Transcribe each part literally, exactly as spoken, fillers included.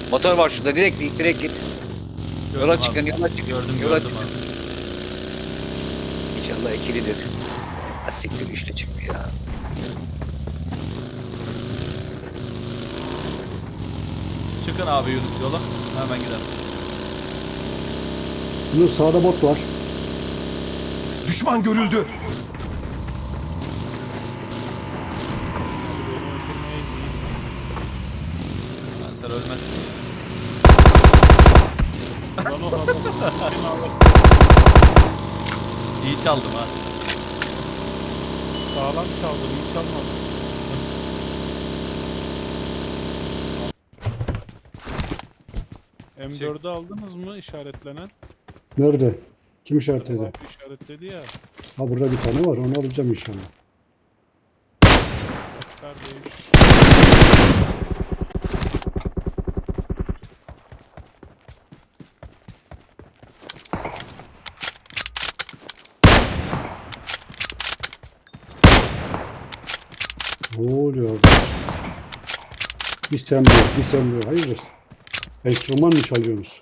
Motor var şurada, direkt git, direkt git. Gördüm Yola abi. çıkın, yola çıkın. Gördüm yola gördüm çıkın. abi. İnşallah ikilidir. Ha siktir, üçlü çıktı ya. Çıkın abi yola. Hemen gidelim. Bunun sağda bot var. Düşman görüldü. Ben sen ölmezsin. Lan o adam. Kim alır? İyi çaldım ha. Sağlam çaldın, iyi çalmadın. M dördü aldınız mı işaretlenen? Nerede? Kim işaretledi? Abi işaretledi ya. Ha burada bir tane var. Onu alacağım inşallah. Neredeymiş? Ne oluyor orada? Bir sen bir, bir sen bir. Hayırdır? Enstrüman mı çalıyorsunuz?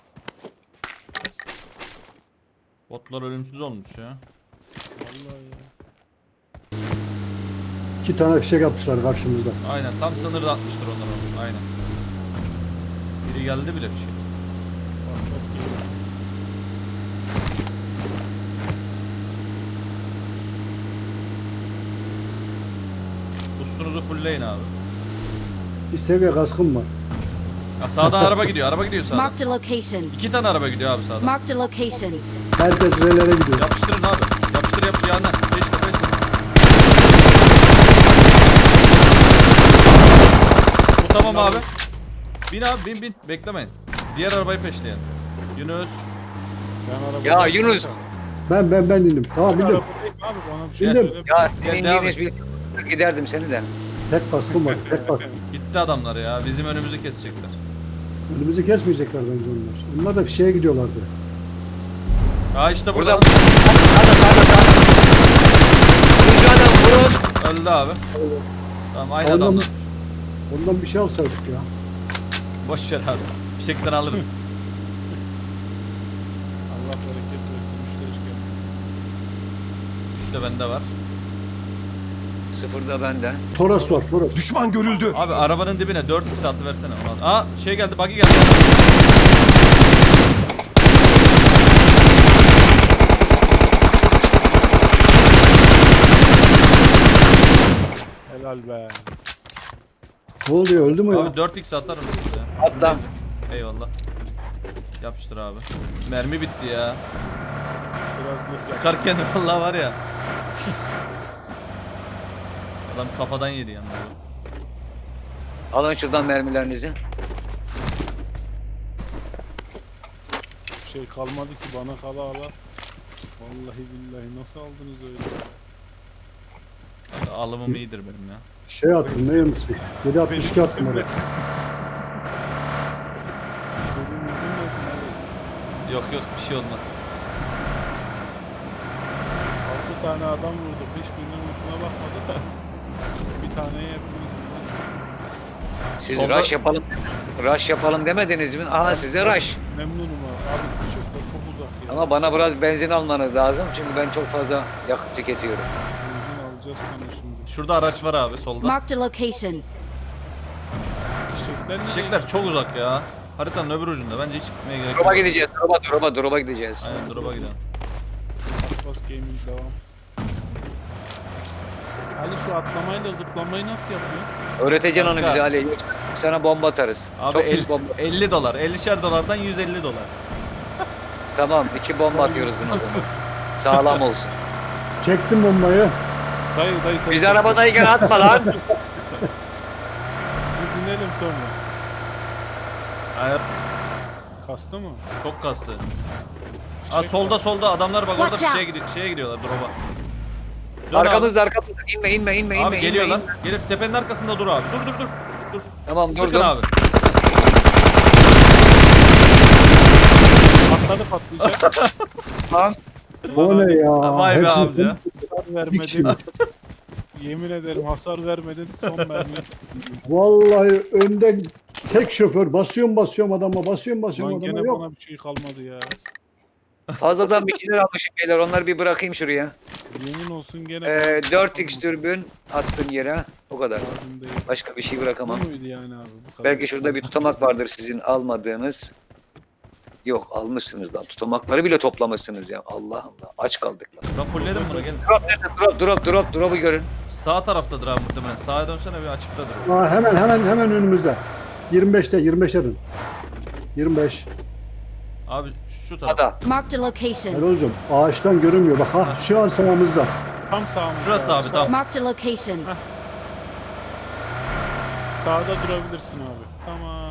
Botlar ölümsüz olmuş ya. Vallahi ya. İki tane fişek yapmışlar karşımızda. Aynen tam sınırda atmıştır onlar onu. Aynen. Biri geldi bile bir şey. Bas bas geliyor. Ustunuzu fullleyin abi. Bir seviye kaskım var. Ya sağdan araba gidiyor. Araba gidiyor sağdan. Marked a location. İki tane araba gidiyor abi sağdan. Marked a location. Herkes relere gidiyor. Yapıştırın abi. Yapıştır yapıştır yanına. Beş beş. Bu tamam abi. Bin abi bin bin. Beklemeyin. Diğer arabayı peşleyin. Yunus. Ben araba Ya Yunus, Ben ben ben indim. Tamam Ben bindim. arabadayım abi bana bir şey Bindim. söyle. ya Gel, senin devam Yunus, et. biz giderdim seni de. Tek kaskım var. Tek kask. Gitti adamlar ya. Bizim önümüzü kesecekler. Önümüzü kesmeyecekler bence onlar. Onlar da fişeğe gidiyorlardı. Ha işte Burada. burada. Sağda, sağda, sağda. Şu adam vurun. Öldü abi. Tamam aynı Ondan- adamlar. Ondan bir şey alsaydık ya. Boş ver abi. Bir şekilde alırız. Allah bereket versin. Müşteri çıkıyor. İşte bende var. Sıfırda bende. Toros var. Toros. Düşman görüldü. Abi arabanın dibine dört x atı versene ona. Aa şey geldi buggy geldi. Helal be. Ne oluyor? Öldü mü ya? Abi dört x atarım size. Atla. Eyvallah. Yapıştır abi. Mermi bitti ya. Biraz net yap. Sıkarken vallahi var ya. Adam kafadan yedi yanında. Alın şuradan mermilerinizi. Bir şey kalmadı ki bana kala ala. Vallahi billahi nasıl aldınız öyle? Abi, alımım iyidir benim ya. Şey attım. Ne yanısı? yedi altmış iki attım oraya. Benim ucum nasıl abi? Yok yok bir şey olmaz. Altı tane adam vurduk. Hiçbirinin ultuna bakmadı da. Bir taneye hepimiz. Siz Solda- rush yapalım. Rush yapalım demediniz mi? Aha size rush. Memnunum abi. Abi fişekler çok uzak ya. Ama bana biraz benzin almanız lazım çünkü ben çok fazla yakıt tüketiyorum. Benzin alacağız sana şimdi. Şurada araç var abi solda. Marked a location. Fişekler nereye? Fişekler çok uzak ya. Haritanın öbür ucunda. Bence hiç gitmeye gerek Drop'a yok. gideceğiz. Drop'a, drop'a, drop'a gideceğiz. Aynen drop'a gidelim. Bas bas gaming devam. Ali şu atlamayla zıplamayı nasıl yapıyor? Öğreteceksin onu Kanka. bize Ali. Yoksa sana bomba atarız. Abi çok el- pis bomba. elli dolar. ellişer dolardan yüz elli dolar. Tamam, iki bomba atıyoruz buna. o zaman. Nasıl? Sağlam olsun. Çektim bombayı. Dayı dayı sen. Biz arabadayken atma lan. Biz inelim sonra. Hayır. Kastı mı? Çok kastı. Aa solda solda adamlar bak orada Watch şeye, out. gidi şeye gidiyorlar drop'a. Dön Arkamızda, arkamızda. İnme, inme, inme, abi. inme. Abi inme, geliyorlar. inme. Gelip tepenin arkasında dur abi. Dur dur dur. Dur. Tamam, Sıkın durdum. abi. Patladı patlayacak. Tamam. O ne ya? Vay be Hepsini amca. Hasar bir kişi mi? vermedin. Yemin ederim hasar vermedin son mermi. Vallahi önden Tek şoför basıyorum basıyorum adama basıyorum basıyorum Lan adama gene yok. bana bir şey kalmadı ya. Fazladan bir şeyler almışım beyler. Onları bir bırakayım şuraya. Yemin olsun gene Ee, bana dört bir x şey dürbün attım yere. O kadar. kalmadı. Lazım değil. Başka bir şey Bu bırakamam. muydu yani abi? Bu kadar. Belki şurada bir tutamak vardır sizin almadığınız. Yok almışsınız lan. Tutamakları bile toplamışsınız ya. Allah Allah. Aç kaldık lan. Ben fullledim bunu gelin. Drop nerede? Drop drop drop. Drop'u görün. Sağ taraftadır abi muhtemelen. Sağa dönsene bir açıktadır. o. Aa, hemen hemen hemen önümüzde. yirmi beşte yirmi beşe dön. yirmi beş. Abi şu taraf. Ada. Marked a location. Erol'cum ağaçtan görünmüyor. Bak ha şu an sağımızda. Tam sağımızda. Şurası abi tamam. Marked a location. Sağda durabilirsin abi. Tamam.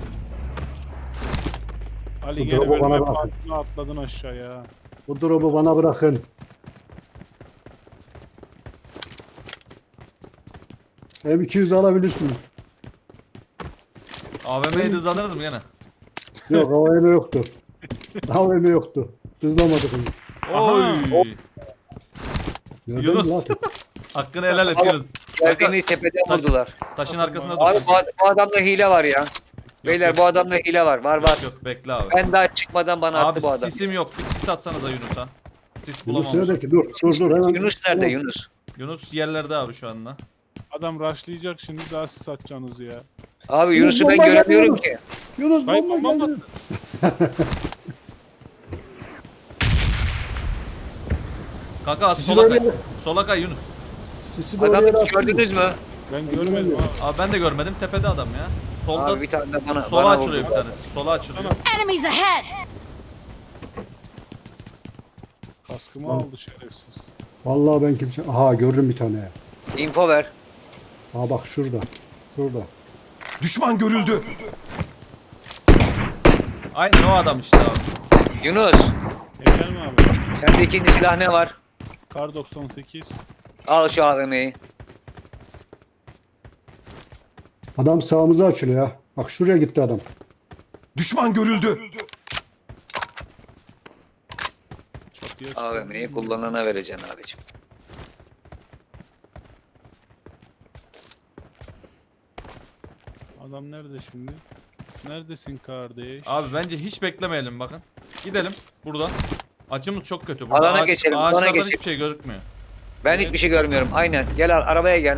Ali Bu gene drop'u böyle bana bir bırakın. altına atladın aşağıya. Bu drop'u bana bırakın. M iki yüz alabilirsiniz. A V M'yi hızlandırırız mı gene? Yok A V M yoktu. A V M yoktu. Hızlamadık onu. Oy. Nereden Yunus. lan? Hakkını helal et Yunus. Geldiğimiz tepeden Taş- vurdular. Taşın arkasında Abi dur. bu, bu adamda hile var ya. Beyler yok. bu adamda hile var. Var var. Yok yok bekle abi. Ben daha çıkmadan bana attı Abi bu adam. sisim yok. Bir sis atsanıza Yunus'a. Sis Yunus bulamamış. neredeki? Dur dur dur hemen. Yunus nerede Yunus? Yunus yerlerde abi şu anda. Adam rushlayacak şimdi daha siz atacaksınız ya. Abi Yunus Yunus'u ben bomba göremiyorum geldi. ki. Yunus Hayır, bomba bomba geldi. Kanka at Sisi sola doğru kay. yere- Sola kay Yunus. Sisi doğru yere Adamı attın mı? gördünüz mü? Ben görmedim abi. Abi ben de görmedim. Tepede adam ya. Solda Abi bir tane de bana, sola bana açılıyor vurdu. bir tanesi. Sola açılıyor. Enemies ahead! Kaskımı aldı şerefsiz. Vallahi ben kimse... Aha gördüm bir tane. Info ver. Ha bak şurada. Şurada. Düşman görüldü. Aynen o adam işte abi. Yunus. Efendim abi. Sende ikinci silah ne var? Kar doksan sekiz. Al şu A V M'yi. Adam sağımıza açılıyor ya. Bak şuraya gitti adam. Düşman görüldü. Çatıya A V M'yi kullanana vereceksin abicim. Adam nerede şimdi? Neredesin kardeş? Abi bence hiç beklemeyelim bakın. Gidelim buradan. Açımız çok kötü. Burada Alana ağaç- geçelim, alana Ağaçlardan geçelim. hiçbir şey gözükmüyor. Ben hiçbir şey görmüyorum. Aynen. Gel al, arabaya gel.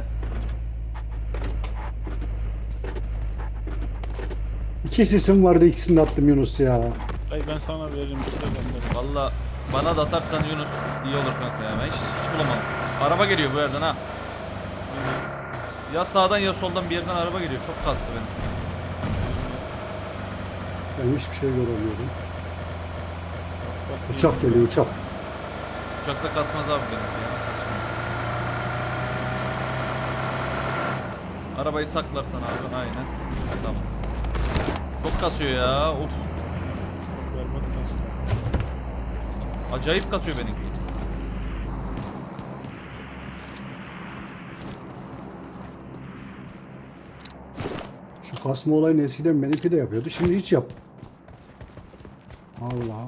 İki sesim vardı ikisini de attım Yunus ya. Ay ben sana veririm işte bende. Valla bana da atarsan Yunus iyi olur kanka ya. Ben hiç, hiç bulamamışım. Araba geliyor bu yerden ha. Ya sağdan ya soldan bir yerden araba geliyor. Çok kastı benim. Ben hiçbir şey göremiyorum. Bas bas Uçak geliyor uçak. Uçakta kasmaz abi benimki ya. Kasmıyor. Arabayı saklarsan abi aynen. Ha, tamam. Çok kasıyor ya. Of. Berbat kastı. Acayip kasıyor benimki. Şu kasma olayını eskiden benimki de yapıyordu. Şimdi hiç yap. Allah.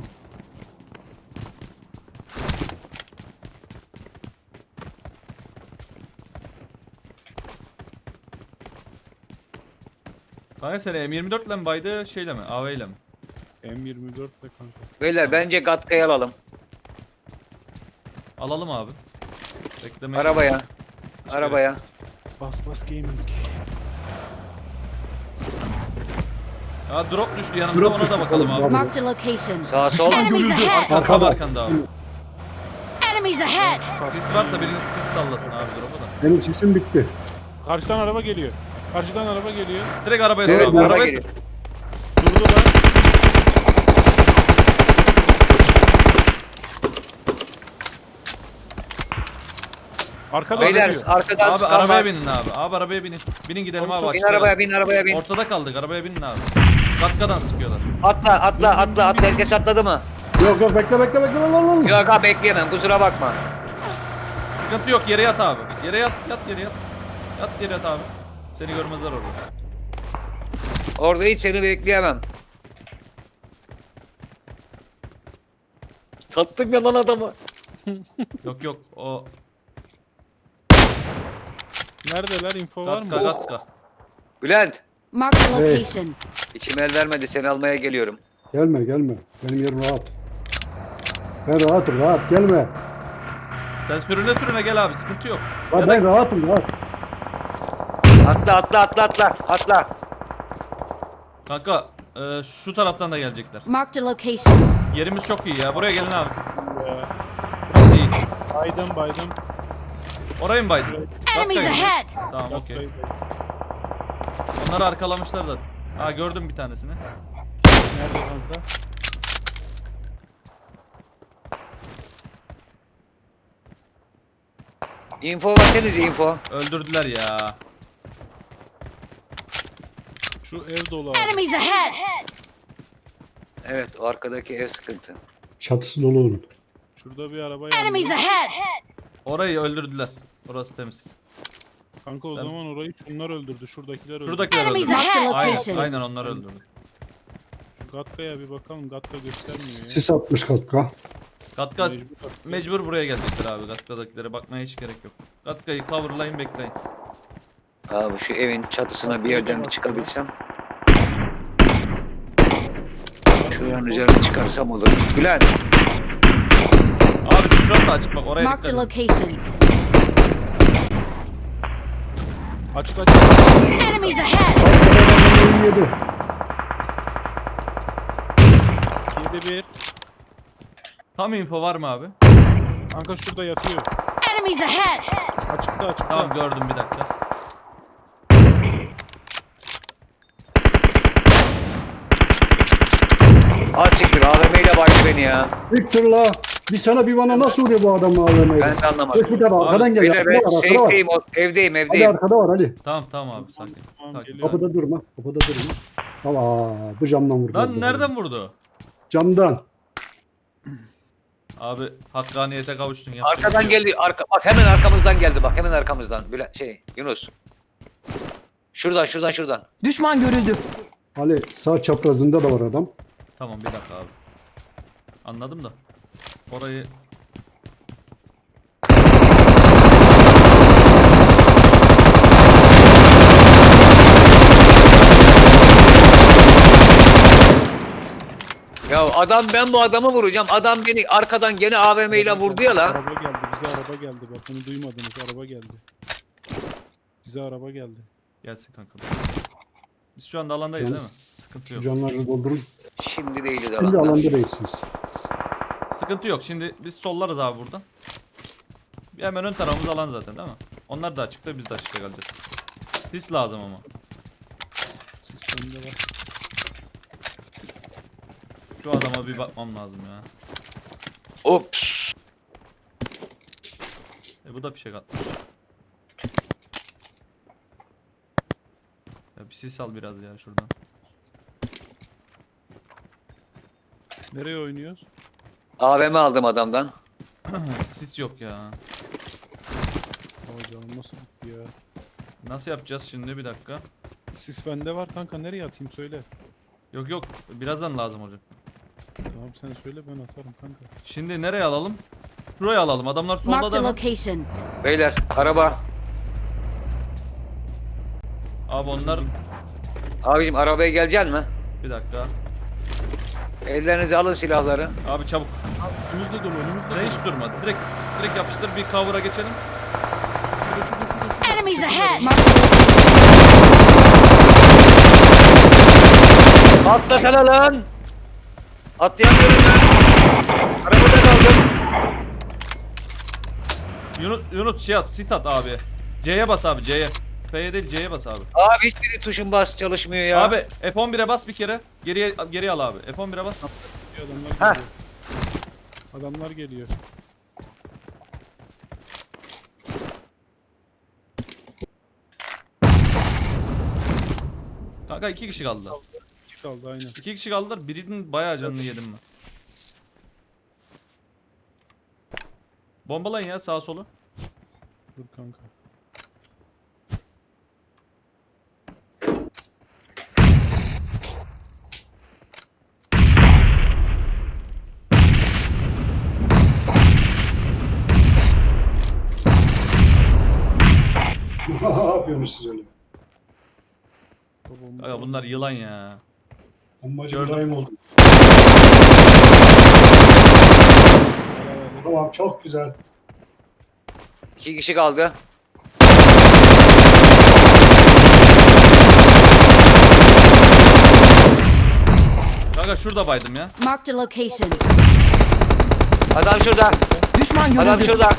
Kanka sen M yirmi dört ile mi baydı şeyle mi? A V ile mi? M yirmi dört de kanka. Beyler bence Gatka'yı alalım. Alalım abi. Bekleme. Arabaya. Arabaya. Bas bas gaming. Ya drop düştü yanımda Drop ona düştü da bakalım oğlum, abi. Marked a location. Sağ sol. Enemies görüldü. ahead! Arkada Arkada. arkanda abi. Enemies ahead! Sis varsa biriniz sis sallasın abi drop'u da. Benim sesim bitti. Karşıdan araba geliyor. Karşıdan araba geliyor. Direkt arabaya Evet, sür abi. araba Arabaya geliyor. sür. Durdu lan. Arkada Beyler geliyor. arkadan Abi sıkan arabaya var. binin abi. Abi arabaya binin. Binin gidelim abi. Bin açıkta arabaya kaldık. bin arabaya bin. Ortada kaldık. Arabaya binin abi. Katkadan sıkıyorlar. Atla atla atla atla. Herkes atladı mı? Yok yok bekle bekle bekle. Lan, lan, lan. Yok abi bekleyemem kusura bakma. Sıkıntı yok. Yere yat abi. Yere yat. Yat yere yat. Yat yere yat abi. Seni görmezler orada. Orada hiç seni bekleyemem. Sattım ya lan adamı. Yok yok. O Neredeler? Info var katka mı? katka. Bülent. Marked a Hey. location. İçim el vermedi, seni almaya geliyorum. Gelme gelme. Benim yerim rahat. Ben rahatım rahat gelme. Sen sürüne sürüne gel abi, sıkıntı yok. Lan Ya ben da rahatım rahat. Atla atla atla atla atla. kanka e, şu taraftan da gelecekler. Marked a location. Yerimiz çok iyi ya. Buraya gelin abi siz. Ya. Burası iyi. Baydım baydım. Orayı mı baydın? Enemies Dakika yine. ahead. Tamam okey. Baydım. Onları arkalamışlar zaten. Ha gördüm bir tanesini. Nerede kanka? Info versenize info. Öldürdüler ya. Şu ev dolu abi. Enemies ahead. Evet, o arkadaki ev sıkıntı. Çatısı dolu onun. Şurada bir araba yandı. Enemies ahead. Orayı öldürdüler. Orası temiz. Kanka o zaman orayı şunlar öldürdü. Şuradakiler öldürdü. Şuradakiler Enemies öldürdü. ahead. Aynen, Location. aynen onlar öldürdü. Şu Gatka'ya bir bakalım. Gatka göstermiyor ya. Sis atmış katka. Gatka Mecbur Gatka. mecbur buraya gelecekler abi. Gatka'dakilere bakmaya hiç gerek yok. Gatka'yı coverlayın, bekleyin. Abi şu evin çatısına bir yerden bir çıkabilsem. Şuranın üzerine çıkarsam olur. Bülent. Abi şurası açık bak, oraya Marked a dikkat edin. location. Açık açık. Enemies ahead. Adamın yedi. yedi bir. Tam info var mı abi? Kanka şurada yatıyor. Enemies ahead. Açıkta açıkta. Tamam gördüm, bir dakika. Az çıktır A V M ile baktı beni ya. Victor la. Bir sana bir bana nasıl vuruyor bu adam A V M'yi? Ben de anlamadım. Geç bir tane arkadan gel. Beyler Arkada ben var arkada var. safe'deyim, o- evdeyim Ali evdeyim. arkada var Ali. Tamam tamam abi, sakin. Tamam, Sakin, geliyor. sakin. Kapıda durma. Kapıda durma. Aa, bu camdan vurdu. Lan nereden vurdu? Camdan. Abi hakkaniyete kavuştun ya. Arkadan geldi. Arka, bak hemen arkamızdan geldi bak. Hemen arkamızdan. Bülent şey Yunus. Şuradan şuradan şuradan. Düşman görüldü. Ali sağ çaprazında da var adam. Tamam bir dakika abi. Anladım da. Orayı Ya adam, ben bu adamı vuracağım. Adam beni arkadan gene A V M ile vurdu ya la. Araba geldi. Bize araba geldi. Bak bunu duymadınız. Araba geldi. Bize araba geldi. gelsin kanka. Biz şu anda alandayız Can- değil mi? Sıkıntı Şu yok. camları doldurun. Şimdi değiliz Şimdi alanda. alanda değilsiniz. Sıkıntı yok. Şimdi biz sollarız abi buradan. Bir hemen ön tarafımız alan zaten değil mi? Onlar da açıkta, biz de açıkta kalacağız. Sis lazım ama. Sistemde var. Şu adama bir bakmam lazım ya. Ops. E bu da bir şey katmış. Ya bir sis al biraz ya şuradan. Nereye oynuyoruz? A V M aldım adamdan. Sis yok ya. Aa canım nasıl gitti ya? Nasıl yapacağız şimdi, bir dakika. Sis bende var kanka. Nereye atayım söyle. Yok yok, birazdan lazım olacak. Tamam sen söyle ben atarım kanka. Şimdi nereye alalım? Şuraya alalım. Adamlar solda Marked da a mı? location. Beyler araba. Abi onlar Abicim arabaya geleceksin mi? bir dakika. Ellerinize alın silahları. Abi çabuk. Önümüzde dolu önümüzde. Ne hiç durma. Direkt direkt yapıştır, bir cover'a geçelim. Şurada şurada şurada. şurada. Enemies Şurada. ahead. Marked a location. Atlasana lan. Atlayamıyorum ben. Arabada kaldım. Yunus, Yunus şey at, sis at abi. C'ye bas abi, C'ye. F'ye değil, C'ye bas abi. Abi hiçbiri tuşun bas çalışmıyor ya. Abi F on bire bas bir kere. Geriye geriye al abi. F on bire bas. Adamlar geliyor. Adamlar geliyor. Kanka iki kişi kaldı. İki kaldı aynen. İki kişi kaldılar. Birinin bayağı canını yedim ben. Bombalayın ya sağa solu. Dur kanka. Ne yapıyorsunuz siz öyle? Bomba- Aga bunlar yılan ya. Bombacı Gördüm. daim oldu. Tamam çok güzel. İki kişi kaldı. Kanka şurada baydım ya. Marked a location. Adam şurada. Düşman Adam görüldü. şurada.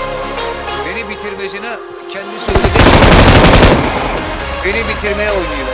Beni bitirmesini kendi söyledi. Beni bitirmeye oynuyor.